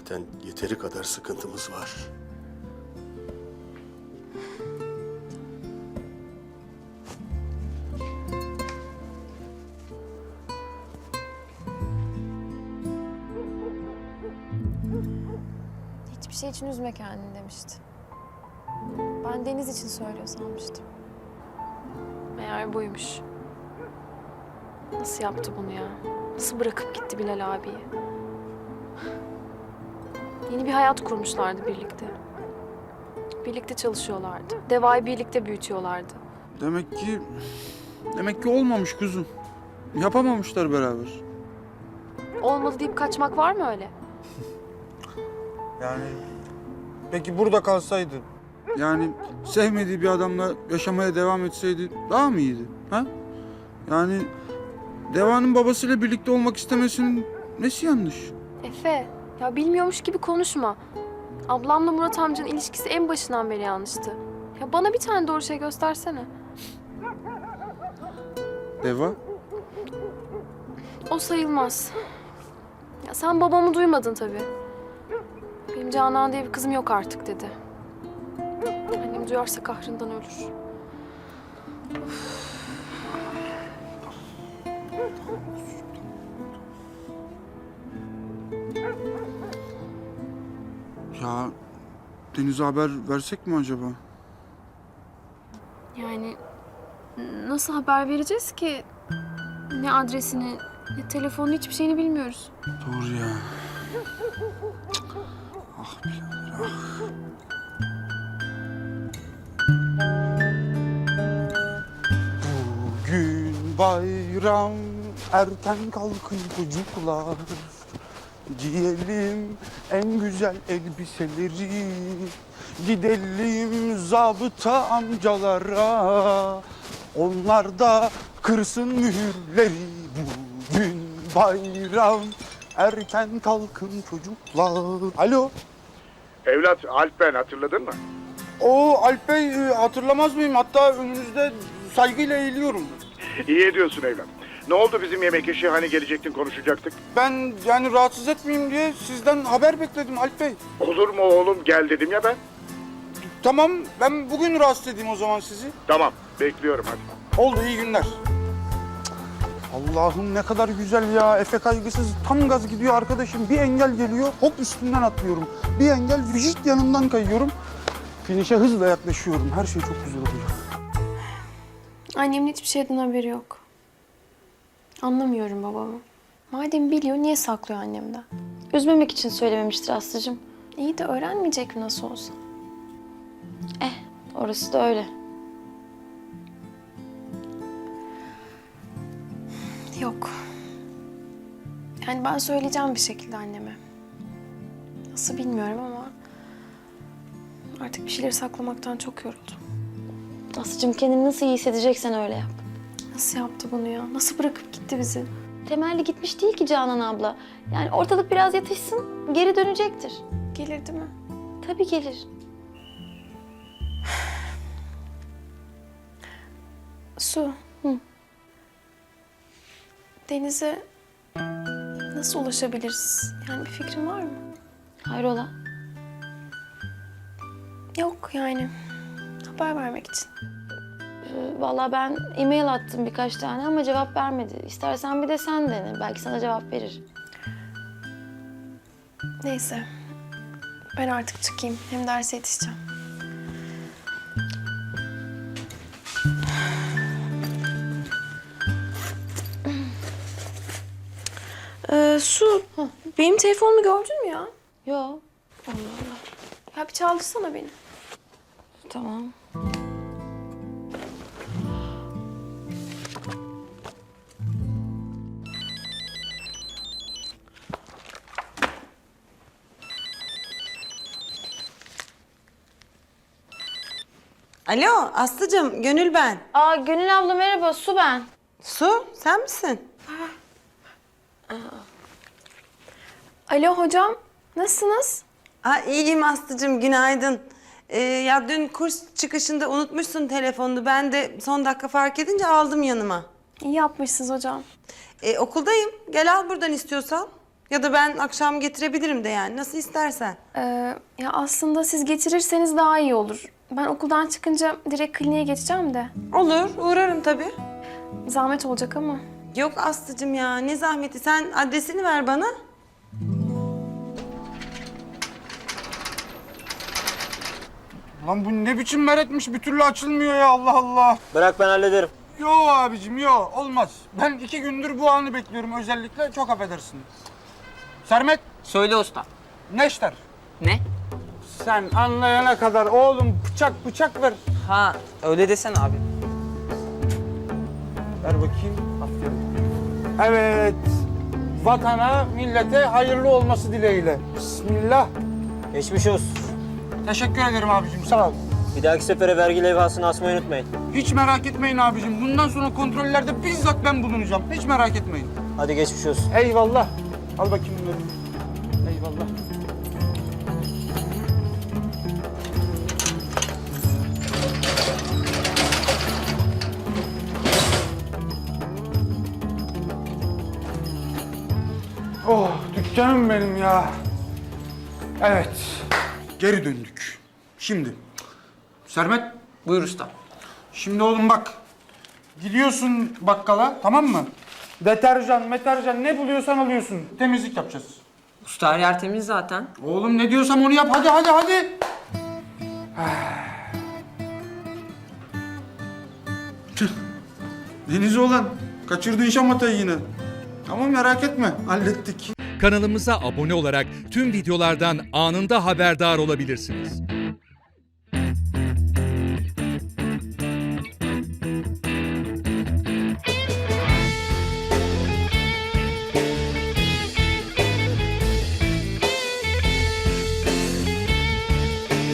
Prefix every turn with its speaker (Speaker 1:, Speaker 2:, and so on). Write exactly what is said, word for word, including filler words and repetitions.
Speaker 1: Zaten yeteri kadar sıkıntımız var.
Speaker 2: Hiçbir şey için üzme kendini demişti. Ben Deniz için söylüyor sanmıştım. Meğer buymuş. Nasıl yaptı bunu ya? Nasıl bırakıp gitti Bilal abiyi? Yeni bir hayat kurmuşlardı birlikte. Birlikte çalışıyorlardı. Deva'yı birlikte büyütüyorlardı.
Speaker 3: Demek ki... Demek ki olmamış kuzum. Yapamamışlar beraber.
Speaker 2: Olmadı deyip kaçmak var mı öyle?
Speaker 3: Yani... Peki burada kalsaydı? Yani sevmediği bir adamla yaşamaya devam etseydi daha mı iyiydi? Ha? Yani... Deva'nın babasıyla birlikte olmak istemesinin nesi yanlış?
Speaker 2: Efe, ya bilmiyormuş gibi konuşma. Ablamla Murat amcanın ilişkisi en başından beri yanlıştı. Ya bana bir tane doğru şey göstersene.
Speaker 3: Deva?
Speaker 2: O sayılmaz. Ya sen babamı duymadın tabii. Benim Canan diye bir kızım yok artık dedi. Annem duyarsa kahrından ölür.
Speaker 3: Ya Deniz'e haber versek mi acaba?
Speaker 2: Yani nasıl haber vereceğiz ki? Ne adresini, ne telefonu, hiçbir şeyini bilmiyoruz.
Speaker 3: Doğru ya. Cık. Ah birader ah. Bugün bayram, erken kalkın çocuklar. Giyelim en güzel elbiseleri. Gidelim zabıta amcalara. Onlar da kırsın mühürleri. Bugün bayram, erken kalkın çocuklar. Alo.
Speaker 4: Evlat, Alp ben, hatırladın mı?
Speaker 3: O Alp Bey, e, hatırlamaz mıyım? Hatta önünüzde saygıyla eğiliyorum.
Speaker 4: İyi ediyorsun evlat. Ne oldu bizim yemek işi, hani gelecektin konuşacaktık?
Speaker 3: Ben yani rahatsız etmeyeyim diye sizden haber bekledim Alp Bey.
Speaker 4: Olur mu oğlum, gel dedim ya ben.
Speaker 3: Tamam, ben bugün rahatsız edeyim o zaman sizi.
Speaker 4: Tamam, bekliyorum hadi.
Speaker 3: Oldu, iyi günler. Allah'ım ne kadar güzel ya. Efe kaygısız tam gaz gidiyor arkadaşım. Bir engel geliyor, hop üstünden atlıyorum. Bir engel vücut yanından kayıyorum. Finişe hızla yaklaşıyorum. Her şey çok güzel oluyor.
Speaker 2: Annemin hiçbir şeyden haberi yok. Anlamıyorum babamı. Madem biliyor, niye saklıyor annemden?
Speaker 5: Üzmemek için söylememiştir Aslı'cığım.
Speaker 2: İyi de öğrenmeyecek mi nasıl olsa?
Speaker 5: Eh, orası da öyle.
Speaker 2: Yok. Yani ben söyleyeceğim bir şekilde anneme. Nasıl bilmiyorum ama... artık bir şeyleri saklamaktan çok yoruldum.
Speaker 5: Aslı'cığım kendini nasıl iyi hissedeceksen öyle yap.
Speaker 2: Nasıl yaptı bunu ya? Nasıl bırakıp gitti bizi?
Speaker 5: Temelli gitmiş değil ki Canan abla. Yani ortalık biraz yatışsın, geri dönecektir.
Speaker 2: Gelir değil mi?
Speaker 5: Tabii gelir.
Speaker 2: Su.
Speaker 5: Hı.
Speaker 2: Denize nasıl ulaşabiliriz? Yani bir fikrin var mı?
Speaker 5: Hayrola?
Speaker 2: Yok yani. Haber vermek için.
Speaker 5: Ee, vallahi ben e-mail attım birkaç tane ama cevap vermedi. İstersen bir de sen dene. Belki sana cevap verir.
Speaker 2: Neyse. Ben artık çıkayım. Hem derse yetişeceğim. Ee, Su, benim telefonumu gördün mü ya?
Speaker 5: Yo,
Speaker 2: Ya bir çaldırsana beni.
Speaker 5: tamam.
Speaker 6: Alo Aslı'cığım, Gönül ben.
Speaker 5: Aa Gönül abla merhaba, Su ben.
Speaker 6: Su, sen misin?
Speaker 2: Alo hocam, nasılsınız?
Speaker 6: Aa, iyiyim Aslı'cığım, günaydın. Ee, ya dün kurs çıkışında unutmuşsun telefonunu. Ben de son dakika fark edince aldım yanıma.
Speaker 2: İyi yapmışsınız hocam.
Speaker 6: Ee, okuldayım, gel al buradan istiyorsan. Ya da ben akşam getirebilirim de yani. Nasıl istersen.
Speaker 2: Ee, ya aslında siz getirirseniz daha iyi olur. Ben okuldan çıkınca direkt kliniğe geçeceğim de.
Speaker 6: Olur, uğrarım tabii.
Speaker 2: Zahmet olacak ama.
Speaker 6: Yok Aslı'cığım ya, ne zahmeti. Sen adresini ver bana.
Speaker 3: Lan bu ne biçim meretmiş, bir türlü açılmıyor ya, Allah Allah.
Speaker 7: Bırak ben hallederim.
Speaker 3: Yo abicim yo, olmaz. Ben iki gündür bu anı bekliyorum özellikle, çok affedersin. Sermet,
Speaker 8: Söyle usta.
Speaker 3: neşter.
Speaker 8: Ne?
Speaker 3: Sen anlayana kadar oğlum bıçak bıçak ver.
Speaker 8: Ha öyle desene abi.
Speaker 3: Ver bakayım. Aferin. Evet. Vatana, millete hayırlı olması dileğiyle. Bismillah.
Speaker 7: Geçmiş olsun.
Speaker 3: Teşekkür ederim abicim, sağ ol.
Speaker 7: Bir dahaki sefere vergi levhasını asmayı unutmayın.
Speaker 3: Hiç merak etmeyin abicim. Bundan sonra kontrollerde bizzat ben bulunacağım. Hiç merak etmeyin.
Speaker 7: Hadi geçmiş olsun.
Speaker 3: Eyvallah. Al bakayım bunları. Eyvallah. Oh, dükkanım benim ya. Evet, geri döndük. Şimdi, Sermet,
Speaker 8: Buyur usta.
Speaker 3: şimdi oğlum bak. Gidiyorsun bakkala, tamam mı? Deterjan, meterjan ne buluyorsan alıyorsun. Temizlik yapacağız.
Speaker 8: Usta her yer temiz zaten.
Speaker 3: Oğlum ne diyorsam onu yap. Hadi, hadi, hadi. Tüh. Deniz olan, kaçırdın şamatayı yine. Ama merak etme, hallettik.
Speaker 9: Kanalımıza abone olarak tüm videolardan anında haberdar olabilirsiniz.